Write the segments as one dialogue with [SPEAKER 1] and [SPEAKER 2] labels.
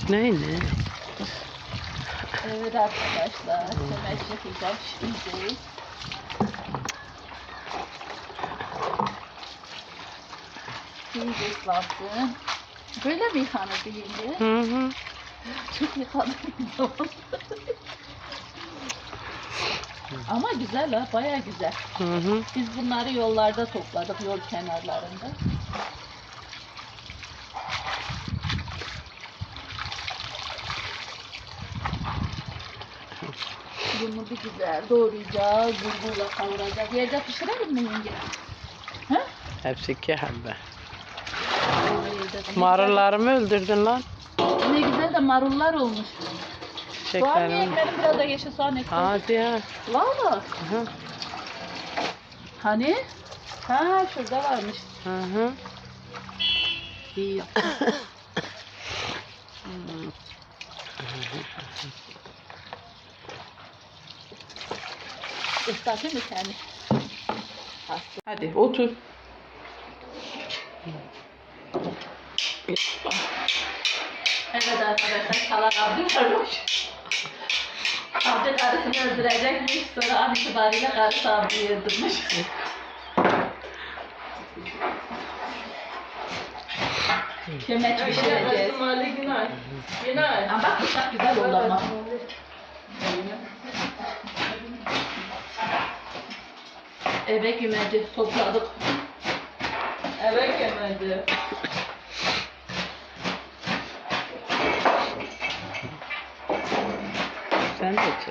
[SPEAKER 1] Ne?
[SPEAKER 2] Evet arkadaşlar, semeç yapacağım şimdi. İyice ıslattım. Böyle mi yıkanır deyince?
[SPEAKER 1] Hı.
[SPEAKER 2] Çok yıkanır. Ama güzel ha, baya güzel.
[SPEAKER 1] Hı.
[SPEAKER 2] Biz bunları yollarda topladık, yol kenarlarında. Bunu bir güzel doğrayacağız, bulgurla kavuracağız. Yerde pişirelim mi yenge? Ha?
[SPEAKER 1] Hepsi 2 habbe.
[SPEAKER 2] Ne
[SPEAKER 1] Marullarımı öldürdün lan.
[SPEAKER 2] güzel- Ne güzel de marullar olmuş. Soğan niye
[SPEAKER 1] Çiçeklerimi.
[SPEAKER 2] ekledim? Biraz da yeşil soğan ekledim.
[SPEAKER 1] Hadi ya.
[SPEAKER 2] Valla.
[SPEAKER 1] Hı
[SPEAKER 2] Hani? Ha şurada varmış.
[SPEAKER 1] hı.
[SPEAKER 2] İyi. Islatayım mı seni?
[SPEAKER 1] Hadi otur.
[SPEAKER 2] Evet arkadaşlar, kalan abim varmış. Abim karısını öldürecekmiş, sonra an itibariyle karısı abiyi öldürmüş. Kömeç pişireceğiz.
[SPEAKER 3] Günay.
[SPEAKER 2] Ama bak bıçak güzel oldu ama. Eve gümeci topladık.
[SPEAKER 3] Evet yemedi.
[SPEAKER 1] Sen de çek.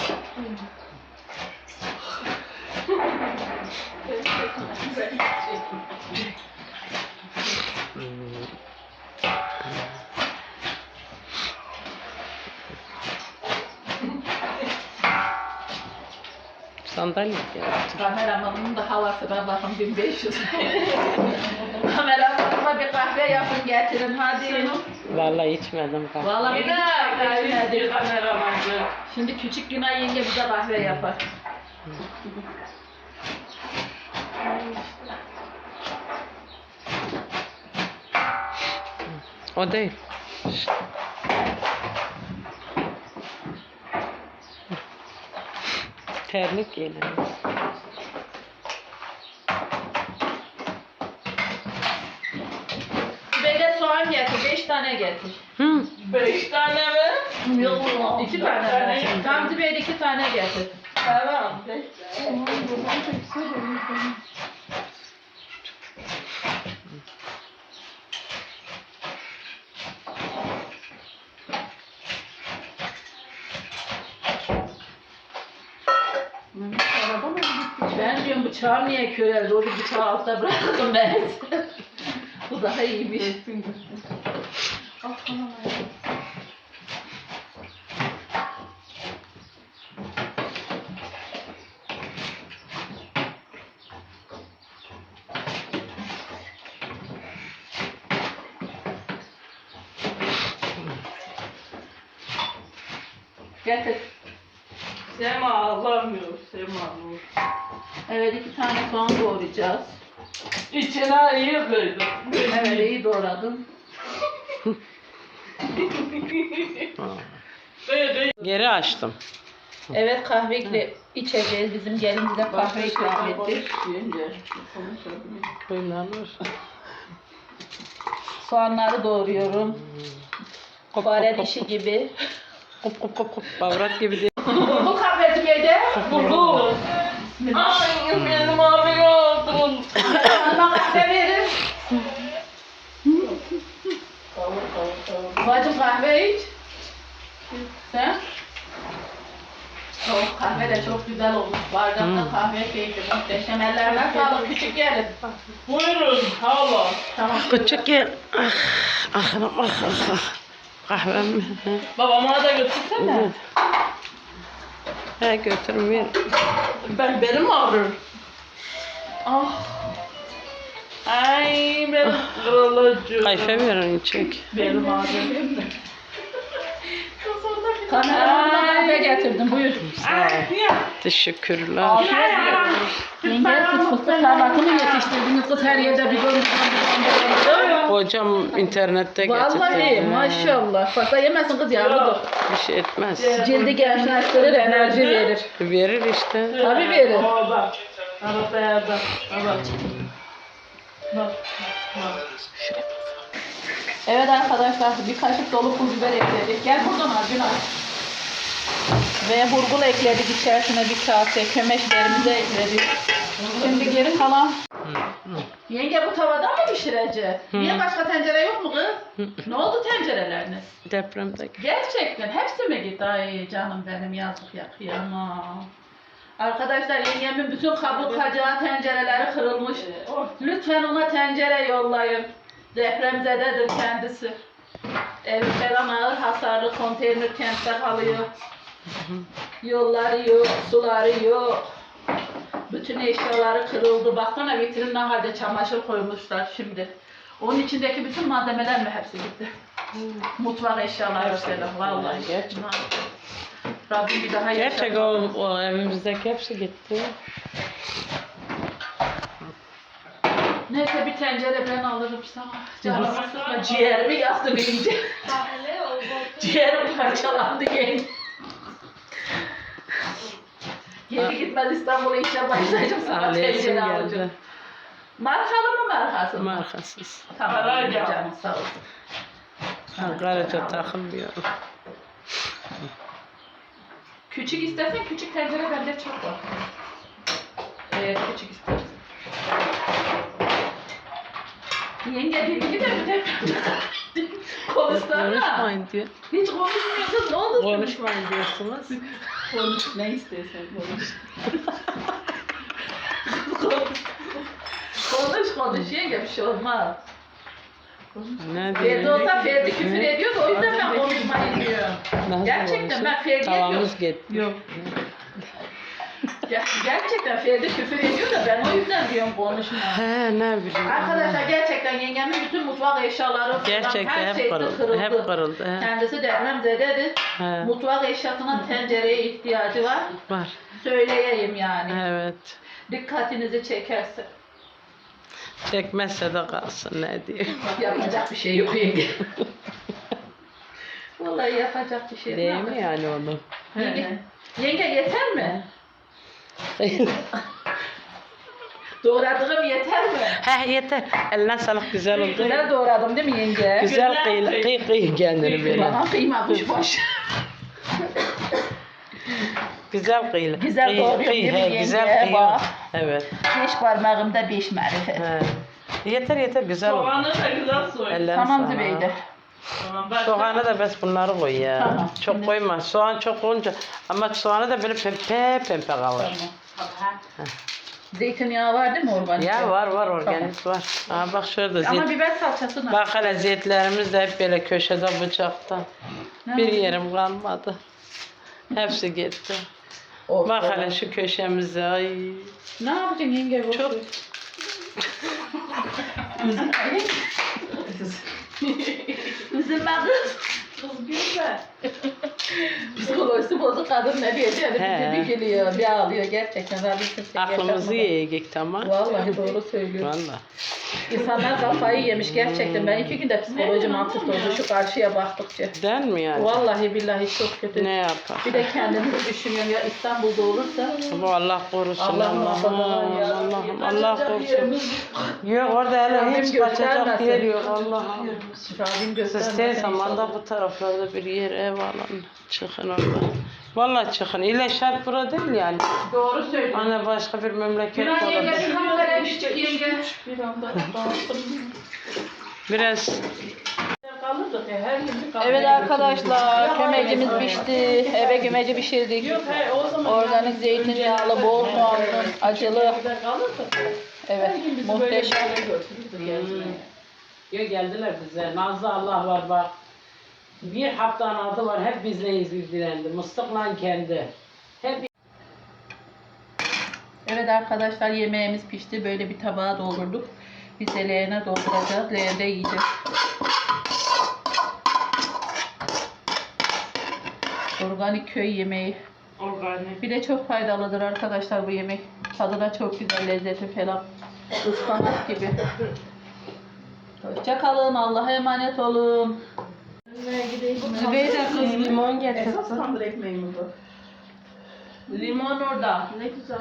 [SPEAKER 1] Sandalye getir.
[SPEAKER 2] Kameramanın da havası ben bakın 1500. Kameramanıma bir kahve yapın getirin hadi.
[SPEAKER 1] Vallahi içmedim kahve.
[SPEAKER 2] Vallahi bir kahve içmedim.
[SPEAKER 3] Kameramanı.
[SPEAKER 2] Şimdi küçük Günay yenge bize kahve yapar.
[SPEAKER 1] O değil. Terlik giyelim.
[SPEAKER 2] Böyle soğan getir, 5 tane getir.
[SPEAKER 1] Hı.
[SPEAKER 3] 5 tane mi?
[SPEAKER 2] Yok, 2 tane ver. Gamze Bey 2 tane getir.
[SPEAKER 3] Tamam. 5 tane.
[SPEAKER 2] Ben diyorum bıçağı niye köreldi? Orada bıçağı altta bıraktım ben. Bu daha iyiymiş. Getir.
[SPEAKER 3] Sema ağlamıyor. Sema nur.
[SPEAKER 2] Evet 2 tane soğan doğrayacağız.
[SPEAKER 3] İçine iyi koydum.
[SPEAKER 2] Evet iyi doğradım.
[SPEAKER 3] Böyle
[SPEAKER 1] Geri açtım.
[SPEAKER 2] Evet kahve içeceğiz. Bizim gelin bize kahve ikram etti.
[SPEAKER 1] Oynanır.
[SPEAKER 2] Soğanları doğruyorum. Fare dişi gibi.
[SPEAKER 1] Kop kop kop kop. Bavrat gibi değil.
[SPEAKER 2] Bu kahveci yedi.
[SPEAKER 3] buldu. Ay benim abi oldum.
[SPEAKER 2] Bana kahve verin. Bacım kahve iç. Sen? Oh, kahve de çok güzel olmuş. Bardakta kahve keyfi muhteşem. Ellerine sağlık. Küçük gelin.
[SPEAKER 3] Buyurun hala.
[SPEAKER 2] Tamam.
[SPEAKER 1] Küçük gel. Ah, ah, ah, ah. Kahvem.
[SPEAKER 3] Babama da götürsene.
[SPEAKER 1] He götürün ver.
[SPEAKER 3] Benim ağrır. Ah. Ay benim kralacığım.
[SPEAKER 1] Kayfe verin çek.
[SPEAKER 3] Benim ağrım.
[SPEAKER 2] Kameramanına kahve getirdim. Buyur.
[SPEAKER 1] Teşekkürler.
[SPEAKER 2] Afiyet olsun. Yenge siz fıstık tarlasını yetiştirdiniz. Kız her yerde bir bölüm.
[SPEAKER 1] Kocam internette getirdi.
[SPEAKER 2] Vallahi maşallah. Bak da yemezsin kız yavrudur.
[SPEAKER 1] Bir şey etmez.
[SPEAKER 2] Cildi gençleştirir, enerji verir.
[SPEAKER 1] Verir işte.
[SPEAKER 2] Tabii verir.
[SPEAKER 3] Aa bak. Arabaya bak. Bak. Bak. Bak.
[SPEAKER 2] Evet arkadaşlar bir kaşık dolu pul biber ekledik. Gel buradan al Günay. Ve burgul ekledik içerisine bir kase. Kömeşlerimizi ekledik. Şimdi geri kalan. Yenge bu tavada mı pişirecek? Niye başka tencere yok mu kız? Ne oldu tencereleriniz?
[SPEAKER 1] Depremde.
[SPEAKER 2] Gerçekten hepsi mi gitti? Ay canım benim yazık ya kıyamam. Arkadaşlar yengemin bütün kabuk kacağı tencereleri kırılmış. Lütfen ona tencere yollayın. Depremzededir kendisi. Evi falan ağır hasarlı konteyner kentte kalıyor. Yolları yok, suları yok. Bütün eşyaları kırıldı. Baksana vitrinin halde çamaşır koymuşlar şimdi. Onun içindeki bütün malzemeler mi hepsi gitti? Mutfak eşyaları falan vallahi.
[SPEAKER 1] Gerçek.
[SPEAKER 2] Rabbim bir daha
[SPEAKER 1] Gerçek o evimizdeki hepsi gitti.
[SPEAKER 2] Neyse bir tencere ben alırım sana. Canımı sıkma. Ciğerimi yaktı iyice. Ciğerim parçalandı yenge. Geri gitmez İstanbul'a işe başlayacağım sana
[SPEAKER 1] Ailesim
[SPEAKER 2] tencere
[SPEAKER 1] geldi.
[SPEAKER 2] alacağım. Markalı mı markasız mı?
[SPEAKER 1] Markasız.
[SPEAKER 2] Tamam canım sağ ol.
[SPEAKER 1] Ankaraca takılmıyor.
[SPEAKER 2] Küçük istersen küçük tencere bende çok var. Küçük istersen. Yenge birini de mi de konuşsana.
[SPEAKER 1] Konuşmayın diyor.
[SPEAKER 2] Hiç konuşmuyorsun ne oldu?
[SPEAKER 1] Konuşmayın diyorsunuz.
[SPEAKER 2] Konuş ne istersen konuş. konuş yenge bir şey olmaz.
[SPEAKER 1] Ne
[SPEAKER 2] Ferdi
[SPEAKER 1] diyor?
[SPEAKER 2] olsa Ferdi küfür ediyor da o yüzden ben konuşmayı diyorum.
[SPEAKER 1] Nasıl
[SPEAKER 2] Gerçekten
[SPEAKER 1] konuşuyor?
[SPEAKER 2] ben Ferdi'ye diyorum.
[SPEAKER 1] Tavamız gitti.
[SPEAKER 2] Yok. Gerçekten Ferdi küfür ediyor da ben o yüzden diyorum konuşma.
[SPEAKER 1] He ne bileyim.
[SPEAKER 2] Arkadaşlar gerçekten yengemin bütün mutfak eşyaları falan
[SPEAKER 1] Gerçekten
[SPEAKER 2] her
[SPEAKER 1] hep
[SPEAKER 2] şeysi
[SPEAKER 1] kırıldı. Hep kırıldı. He.
[SPEAKER 2] Kendisi depremzededir.
[SPEAKER 1] He.
[SPEAKER 2] Mutfak eşyasına tencereye ihtiyacı var.
[SPEAKER 1] Var.
[SPEAKER 2] Söyleyeyim yani.
[SPEAKER 1] Evet.
[SPEAKER 2] Dikkatinizi çekerse.
[SPEAKER 1] Çekmezse de kalsın ne diyeyim.
[SPEAKER 2] Yapacak bir şey yok yenge. Vallahi yapacak bir şey yok.
[SPEAKER 1] Değil mi yani onu?
[SPEAKER 2] Yenge, yenge yeter mi? Doğradığım yeter mi?
[SPEAKER 1] He yeter. Eline sağlık güzel oldu.
[SPEAKER 2] Güzel doğradım değil mi yenge?
[SPEAKER 1] Güzel kıy kendini böyle.
[SPEAKER 2] Bana kıyma kuşbaşı.
[SPEAKER 1] Güzel kıy.
[SPEAKER 2] Güzel doğruyor değil mi yenge?
[SPEAKER 1] Güzel kıy.
[SPEAKER 2] Bak.
[SPEAKER 1] Evet.
[SPEAKER 2] 5 parmağımda 5 marifet.
[SPEAKER 1] He. Yeter güzel oldu.
[SPEAKER 3] Soğanı da güzel soy.
[SPEAKER 1] Ellerine
[SPEAKER 2] Tamam
[SPEAKER 1] sağlık.
[SPEAKER 2] Zübeyde.
[SPEAKER 3] Tamam, başka-
[SPEAKER 1] Soğanı da bes bunları koy ya.
[SPEAKER 2] Tamam.
[SPEAKER 1] Çok koyma. Soğan çok olunca ama soğanı da böyle pembe kalır.
[SPEAKER 2] Zeytinyağı var değil mi organik?
[SPEAKER 1] Ya var organik var. Aa bak şurada
[SPEAKER 2] Ama
[SPEAKER 1] zeyt.
[SPEAKER 2] biber salçası
[SPEAKER 1] Bak hele zeytlerimiz de hep böyle köşede bıçakta. Bir yerim kalmadı. Hepsi gitti.
[SPEAKER 2] Of,
[SPEAKER 1] Bak
[SPEAKER 2] of.
[SPEAKER 1] hele şu köşemize. Ay.
[SPEAKER 2] Ne yapacaksın yenge?
[SPEAKER 1] Çok.
[SPEAKER 2] Üzülme kız. Kız gülme. Psikolojisi bozuk kadın ne diyeceğini
[SPEAKER 1] He.
[SPEAKER 2] bir gülüyor, bir ağlıyor gerçekten. Rabbim kimseye
[SPEAKER 1] Aklımızı
[SPEAKER 2] yaşatmadan.
[SPEAKER 1] yiyecek tamam.
[SPEAKER 2] Vallahi doğru söylüyor.
[SPEAKER 1] Valla.
[SPEAKER 2] İnsanlar kafayı yemiş gerçekten. Ben 2 günde psikolojim alt üst oldu şu karşıya baktıkça.
[SPEAKER 1] Den mi yani?
[SPEAKER 2] Vallahi billahi çok kötü.
[SPEAKER 1] Ne yapar?
[SPEAKER 2] Bir de kendimizi düşünüyorum ya İstanbul'da olursa.
[SPEAKER 1] Bu Allah korusun.
[SPEAKER 2] Allah
[SPEAKER 1] Allah'ım.
[SPEAKER 2] muhafaza ya.
[SPEAKER 1] Allah'ım. Allah
[SPEAKER 2] Kaçacak
[SPEAKER 1] korusun.
[SPEAKER 2] yerimiz
[SPEAKER 1] Yok orada hele
[SPEAKER 2] Rabbim
[SPEAKER 1] hiç kaçacak
[SPEAKER 2] göstermesin.
[SPEAKER 1] yer yok. Allah'ım.
[SPEAKER 2] Rabbim
[SPEAKER 1] Siz
[SPEAKER 2] göstermesin.
[SPEAKER 1] tez zamanda bu taraflarda bir yer ev alın. Çıkın orada. Vallahi çıkın. İlle şart bura değil yani.
[SPEAKER 2] Doğru söylüyorsun.
[SPEAKER 1] Hani başka bir memleket
[SPEAKER 2] Günah yenge
[SPEAKER 1] olabilir.
[SPEAKER 2] bir kamera düşecek yenge.
[SPEAKER 3] Bir anda dağıttım.
[SPEAKER 1] Biraz
[SPEAKER 3] Kalırdık ya, her gün bir kahve
[SPEAKER 2] Evet
[SPEAKER 3] götürürdük.
[SPEAKER 2] arkadaşlar kömecimiz pişti. Eve gömeci pişirdik.
[SPEAKER 3] Yok hayır o zaman
[SPEAKER 2] Organik zeytinyağlı, bol soğanlı, acılı.
[SPEAKER 3] Güzel kalırdık.
[SPEAKER 2] Evet
[SPEAKER 3] Her gün bizi böyle bir
[SPEAKER 2] muhteşem.
[SPEAKER 3] yere götürürdü gezmeye.
[SPEAKER 4] Ya geldiler bize. Nazlı Allah var bak. Bir haftanın adı var. Hep bizle ilgilendi. Mıstıkla kendi. Hep
[SPEAKER 2] Evet arkadaşlar yemeğimiz pişti. Böyle bir tabağa doldurduk. Biz de leğene dolduracağız. Leğende yiyeceğiz. Organik köy yemeği.
[SPEAKER 3] Organik.
[SPEAKER 2] Bir de çok faydalıdır arkadaşlar bu yemek. Tadı da çok güzel, lezzeti falan. Ispanak gibi. Hoşça kalın. Allah'a emanet olun.
[SPEAKER 1] Zübeyde kız limon getirdi.
[SPEAKER 3] Esas tandır ekmeği mi bu?
[SPEAKER 2] Limon orada.
[SPEAKER 3] Ne güzel.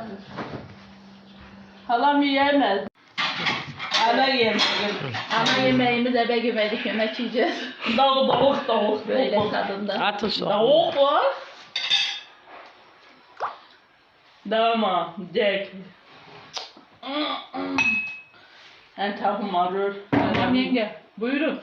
[SPEAKER 2] Halam yiyemez.
[SPEAKER 3] Ana yemeği.
[SPEAKER 2] Ana yemeğimiz ebe güvedik yemek yiyeceğiz.
[SPEAKER 3] Tavuk.
[SPEAKER 2] Böyle tadında.
[SPEAKER 1] Atın soğan.
[SPEAKER 3] Tavuk var. Dama, Jack. En tavuğum arıyor.
[SPEAKER 2] Tamam yenge. Buyurun.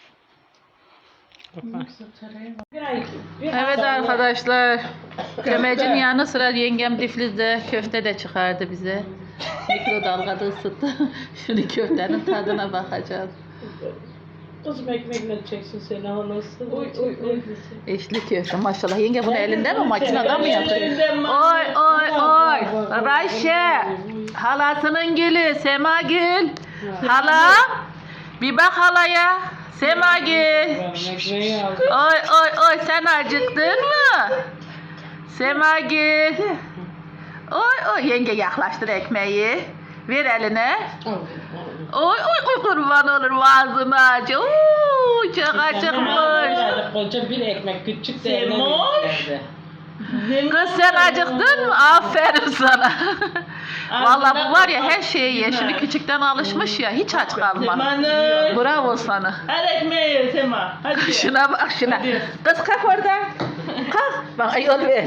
[SPEAKER 2] Evet arkadaşlar. Kömecin yanı sıra yengem diflizde köfte de çıkardı bize. Mikrodalgada ısıttı. Şimdi köftenin tadına bakacağız.
[SPEAKER 4] Kızım ekmekle çeksin seni anasını.
[SPEAKER 3] Oy.
[SPEAKER 2] Eşli köfte maşallah. Yenge bunu elinde mi makinede mi yapıyor?
[SPEAKER 3] Elinde mi?
[SPEAKER 2] Oy. Rayşe. Halasının gülü Semagül. Hala. Bir bak halaya. Semagül.
[SPEAKER 4] Ekmeği al.
[SPEAKER 2] Oy sen acıktın mı? Semagül. Oy yenge yaklaştır ekmeği. Ver eline. Oy kurban olur ağzını aç. Oo, çok acıkmış.
[SPEAKER 4] Koca bir ekmek küçük de eline
[SPEAKER 3] Semoş.
[SPEAKER 4] verdi.
[SPEAKER 2] Kız sen acıktın mı? Aferin sana. Vallahi bu var ya her şeye ye. Şimdi küçükten alışmış ya hiç aç kalma.
[SPEAKER 3] Semanur.
[SPEAKER 2] Bravo sana.
[SPEAKER 3] Hadi ekmeği ye Sema. Hadi.
[SPEAKER 2] Şuna bak şuna. Kız kalk oradan. Kalk. Bak yol ver.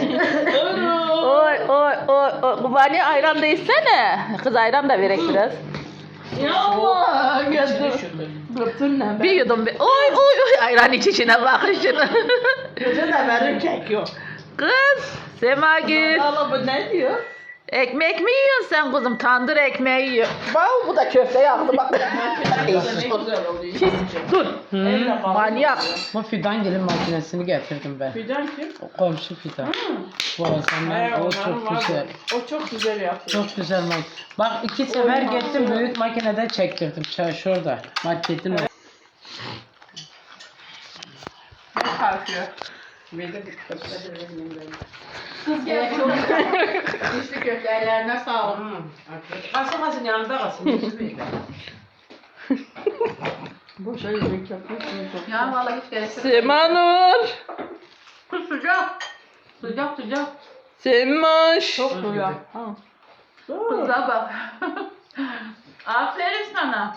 [SPEAKER 2] Oy. Kubani ayran da içsene. Kız ayran da verek biraz.
[SPEAKER 3] Ya Allah. Götür.
[SPEAKER 2] Bir yudum bir. Oy ayran içişine bakın şuna.
[SPEAKER 3] Götür de verir kek yok.
[SPEAKER 2] Kız Semagül.
[SPEAKER 3] Allah bu ne diyor?
[SPEAKER 2] Ekmek mi yiyorsun sen kızım? Tandır ekmeği yiyor. Bak bu da köfte yaptı bak.
[SPEAKER 3] Ne güzel oluyor.
[SPEAKER 2] Dur.
[SPEAKER 3] Elle bağlı.
[SPEAKER 2] Manyak.
[SPEAKER 4] Bu fidan gelin makinesini getirdim ben.
[SPEAKER 3] Fidan kim?
[SPEAKER 4] O komşu fidan. Bu aslında o çok güzel.
[SPEAKER 3] O çok güzel yapıyor.
[SPEAKER 4] Çok güzel Bak 2 sefer gittim büyük makinede çektirdim. Şurada. Marketin orada.
[SPEAKER 3] Ne kalkıyor?
[SPEAKER 2] Kız gel çok güzel. İçli köfte ellerine sağlık.
[SPEAKER 4] Kasın yanında kasın.
[SPEAKER 3] Boşa yemek yapıyorsun.
[SPEAKER 2] Ya vallahi hiç gerek yok.
[SPEAKER 3] Semanur.
[SPEAKER 2] Sıcak.
[SPEAKER 3] Semoş.
[SPEAKER 2] Çok sıcak. Kıza bak. Aferin sana.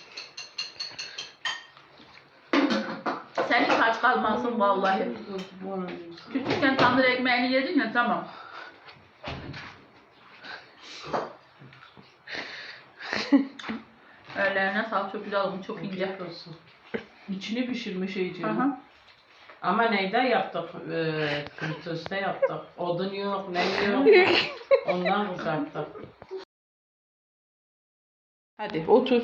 [SPEAKER 2] Sen hiç aç kalmazsın vallahi. Küçükken tandır ekmeğini yedin ya tamam. Ellerine sağlık çok güzel olmuş çok ince.
[SPEAKER 3] İçini pişirmiş iyice.
[SPEAKER 2] Aha.
[SPEAKER 4] Ama neyde yaptık? Fritözde yaptık. Odun yok, ne yok. Ondan kızarttık.
[SPEAKER 3] Hadi otur.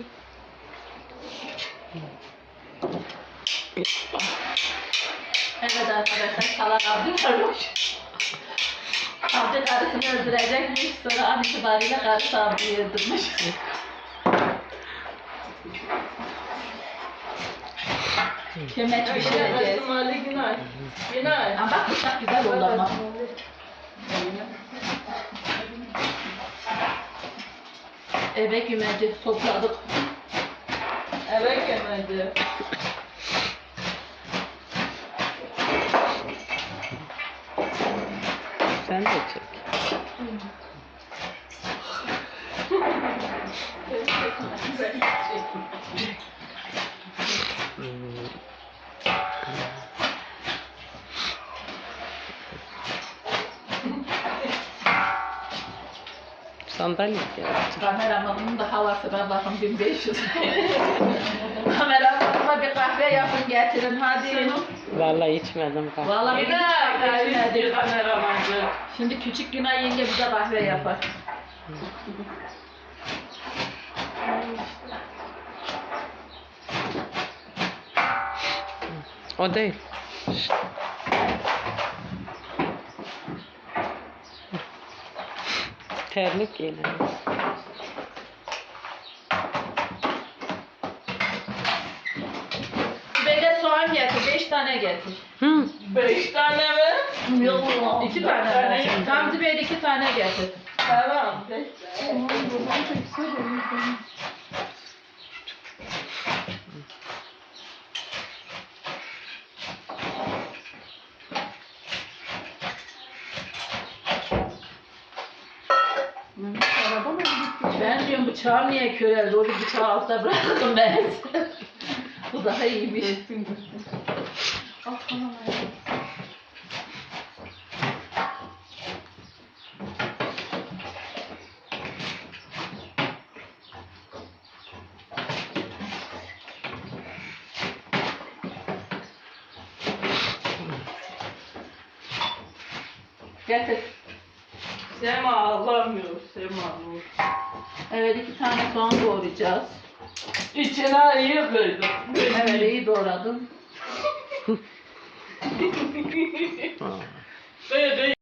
[SPEAKER 2] Evet arkadaşlar kalan Abdül varmış. Abdül karısını öldürecekmiş sonra an itibariyle karısı Abdül'ü öldürmüş. Kömeç pişireceğiz.
[SPEAKER 3] Ali Günay. Günay.
[SPEAKER 2] Ama bak bıçak güzel oldu ama. Eve gümeci topladık.
[SPEAKER 3] Eve gelmedi.
[SPEAKER 1] Sen de çek. Sandalye geldi.
[SPEAKER 2] Kameramanın da havasına bakın 1500. Kameramanıma bir kahve yapın getirin hadi.
[SPEAKER 1] Vallahi içmedim kahve.
[SPEAKER 2] Vallahi
[SPEAKER 3] Günay. Bir kameramancı.
[SPEAKER 2] şimdi küçük Günay yenge bize kahve yapar.
[SPEAKER 1] O değil. Terlik giyelim.
[SPEAKER 2] Böyle soğan getir, 5 tane getir.
[SPEAKER 3] 5 tane mi? Yok.
[SPEAKER 2] 2 tane. Gamze Bey 2 tane getir.
[SPEAKER 3] Tamam.
[SPEAKER 2] Benim bıçağım niye köreldi? O bıçağı altta bıraktım ben. Bu daha iyiymiş. Al tamam hayatım. Getir.
[SPEAKER 3] Sema ağlamıyor. Sema Nur.
[SPEAKER 2] Evet 2 tane soğan doğrayacağız.
[SPEAKER 3] İçine iyi koydum.
[SPEAKER 2] Evet iyi doğradım.
[SPEAKER 3] Böyle